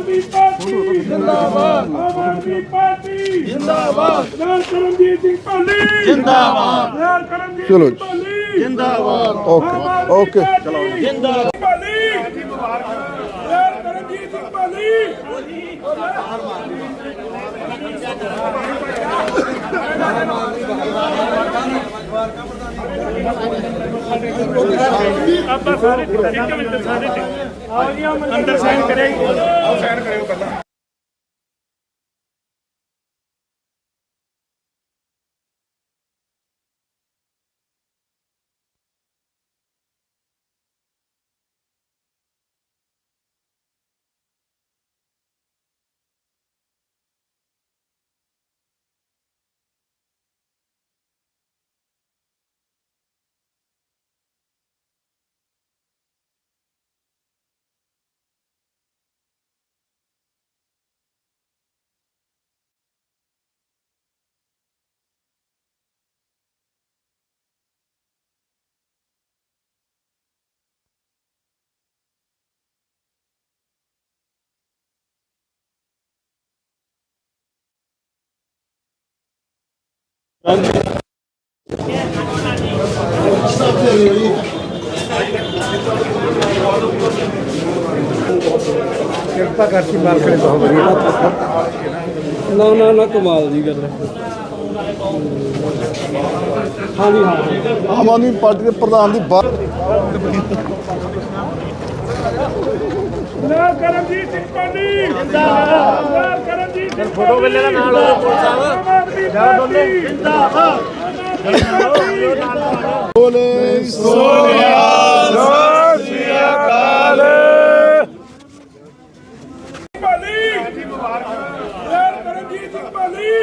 आदमी पार्टी जिंदाबाद, आम आदमी पार्टी जिंदाबाद, सरदार करमजीत सिंह पाली जिंदाबाद, सरदार करमजीत सिंह पाली जिंदाबाद, ओके ओके चलो जिंदाबाद पाली, सरदार करमजीत सिंह पाली ਆਪਾਂ ਸਾਰੇ ਇੱਕ ਮਿੰਟ ਸਾਰੇ अंदर साइन करेंगे साइन करेंगे पहला ਕਿਰਪਾ ਕਰਕੇ ਮਾਲਕ ਨੇ ਬਹੁਤ ਵਧੀਆ ਨਾ ਕਮਾਲ ਦੀ ਗੱਲ ਹੈ। ਹਾਂਜੀ ਹਾਂ ਆਮ ਆਦਮੀ ਪਾਰਟੀ ਦੇ ਪ੍ਰਧਾਨ ਦੀ ਬਾਤ सरदार करमजीत सिंह पाली जिंदाबाद, सरदार करमजीत सिंह फोटो वेले दा नाल हो पुलिस साहब जिंदाबाद बोले सोनिया सत श्री अकाल पाली सरदार करमजीत सिंह पाली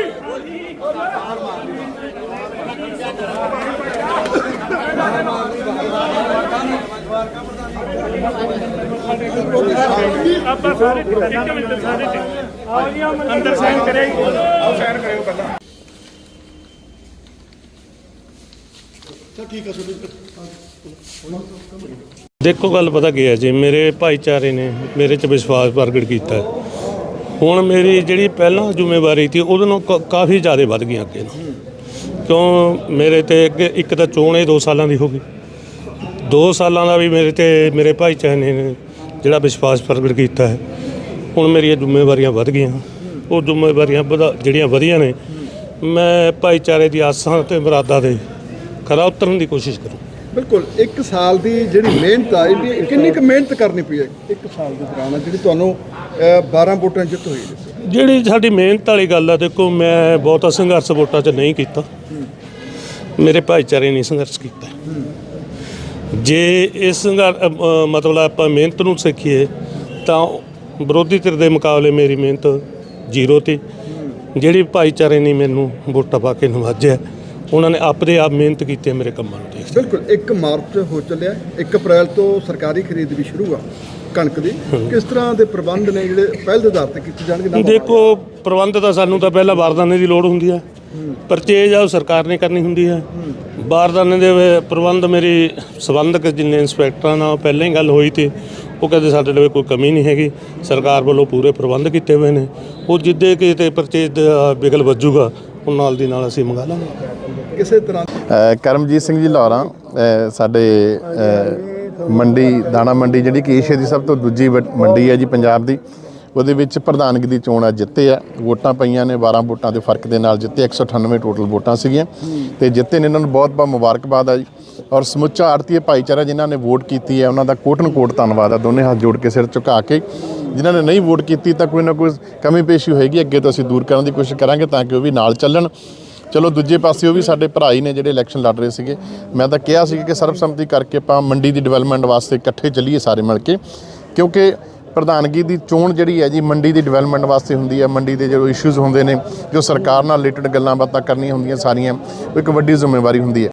ਆਪਾਂ ਸਾਰੇ ਇੱਕ ਮਿੰਟ ਸਾਰੇ अंदर साइन करेंगे साइन करेंगे पहला देखो गल पता की है जी, मेरे भाईचारे ने मेरे च विश्वास प्रगट किया। हुण मेरी जी पहला जिम्मेवारी थी उदों काफ़ी ज़्यादा वध गई अगे क्यों मेरे ते एक तो चोण 2 सालों की हो गई, 2 सालों का भी मेरे ते मेरे भाईचारे ने जिहड़ा विश्वास प्रगट किया है। हुण मेरिया जिम्मेवारियां वध गई, वो जिम्मेवारियां जिहड़ियां वधियां ने मैं भाईचारे की आसां ते मुरादां दे खरा उतरन की कोशिश करूँ। बिल्कुल 1 साल की जी मेहनत आई किन्नी क मेहनत करनी पई है 1 साल के दौरान जी तुहानूं 12 वोटां जित हुई जी साडी मेहनत वाली गल है। देखो मैं बहुता संघर्ष वोटां च नहीं किया, मेरे भाईचारे ने संघर्ष किया। जे इस मतलब आप मेहनत नूं सीखीए तो विरोधी धिर के मुकाबले मेरी मेहनत 0 थी। जिहड़ी भाईचारे ने मैनूं वोटां पा के नवाजिया उन्होंने आपदे आप मेहनत की मेरे कामों में। बिल्कुल 1 मार्च हो चलिया 1 अप्रैल तो सरकारी खरीद भी शुरू हुआ कणक की, किस तरह के प्रबंध ने जिहड़े पहल के आधार पर कीते जाणगे? देखो प्रबंध तो सानूं तो पहला बारदाने की लोड़ हुंदी है, परचेज आ सरकार ने करनी हुंदी है। बारदाने के प्रबंध मेरी संबंधक जिन्ने इंस्पैक्टर नाल पहले ही गल हुई थी, वो कहते साडे लवे कोई कमी नहीं हैगी, सरकार वालों पूरे प्रबंध किए हुए हैं। वो जिद्दे किते परचेज बिगल वजूगा उन नाल दी नाल असीं मंगा लांगे। किसी तरह करमजीत सिंह जी लाहौरा साडे मंडी दाणा मंडी जिहड़ी कि एशिया की सब तो दूजी मंडी है जी पंजाब की, ਉਹਦੇ ਵਿੱਚ ਪ੍ਰਧਾਨਗੀ ਦੀ ਚੋਣ ਅੱਜ ਜਿੱਤੇ ਆ। ਵੋਟਾਂ ਪਈਆਂ ਨੇ 12 ਵੋਟਾਂ ਦੇ ਫਰਕ ਦੇ ਨਾਲ ਜਿੱਤੇ, 198 ਟੋਟਲ ਵੋਟਾਂ ਸੀਗੀਆਂ ਤੇ ਜਿੱਤੇ ਨੇ। ਇਹਨਾਂ ਨੂੰ ਬਹੁਤ ਬਹੁਤ ਮੁਬਾਰਕਬਾਦ ਆ ਜੀ। ਔਰ ਸਮੁੱਚਾ ਆੜਤੀਏ ਭਾਈਚਾਰਾ ਜਿਨ੍ਹਾਂ ਨੇ ਵੋਟ ਕੀਤੀ ਹੈ ਉਹਨਾਂ ਦਾ ਕੋਟਨ ਕੋਟ ਧੰਨਵਾਦ ਆ। ਦੋਨੇ ਹੱਥ ਜੋੜ ਕੇ ਸਿਰ ਝੁਕਾ ਕੇ, ਜਿਨ੍ਹਾਂ ਨੇ ਨਹੀਂ ਵੋਟ ਕੀਤੀ ਤਾਂ ਕੋਈ ਨਾ ਕੋਈ ਕਮੀ ਪੇਸ਼ੀ ਹੋਏਗੀ, ਅੱਗੇ ਤੋਂ ਅਸੀਂ ਦੂਰ ਕਰਨ ਦੀ ਕੋਸ਼ਿਸ਼ ਕਰਾਂਗੇ ਤਾਂ ਕਿ ਉਹ ਵੀ ਨਾਲ ਚੱਲਣ। ਚਲੋ ਦੂਜੇ ਪਾਸੇ ਉਹ ਵੀ ਸਾਡੇ ਭਰਾ ਹੀ ਨੇ ਜਿਹੜੇ ਇਲੈਕਸ਼ਨ ਲੜ ਰਹੇ ਸੀਗੇ। ਮੈਂ ਤਾਂ ਕਿਹਾ ਸੀ ਕਿ ਸਰਬਸੰਮਤੀ ਕਰਕੇ ਆਪਾਂ ਮੰਡੀ ਦੀ ਡਿਵੈਲਪਮੈਂਟ ਵਾਸਤੇ ਇਕੱਠੇ ਚੱਲੀਏ ਸਾਰੇ ਮਿਲ ਕੇ, ਕਿਉਂਕਿ ਪ੍ਰਧਾਨਗੀ ਦੀ ਚੋਣ ਜਿਹੜੀ ਹੈ ਜੀ ਮੰਡੀ ਦੀ ਡਿਵੈਲਪਮੈਂਟ ਵਾਸਤੇ ਹੁੰਦੀ ਹੈ। ਮੰਡੀ ਦੇ ਜੋ ਇਸ਼ੂਜ਼ ਹੁੰਦੇ ਨੇ, ਜੋ ਸਰਕਾਰ ਨਾਲ ਰਿਲੇਟਡ ਗੱਲਾਂ ਬਾਤਾਂ ਕਰਨੀਆਂ ਹੁੰਦੀਆਂ ਸਾਰੀਆਂ, ਉਹ ਇੱਕ ਵੱਡੀ ਜ਼ਿੰਮੇਵਾਰੀ ਹੁੰਦੀ ਹੈ।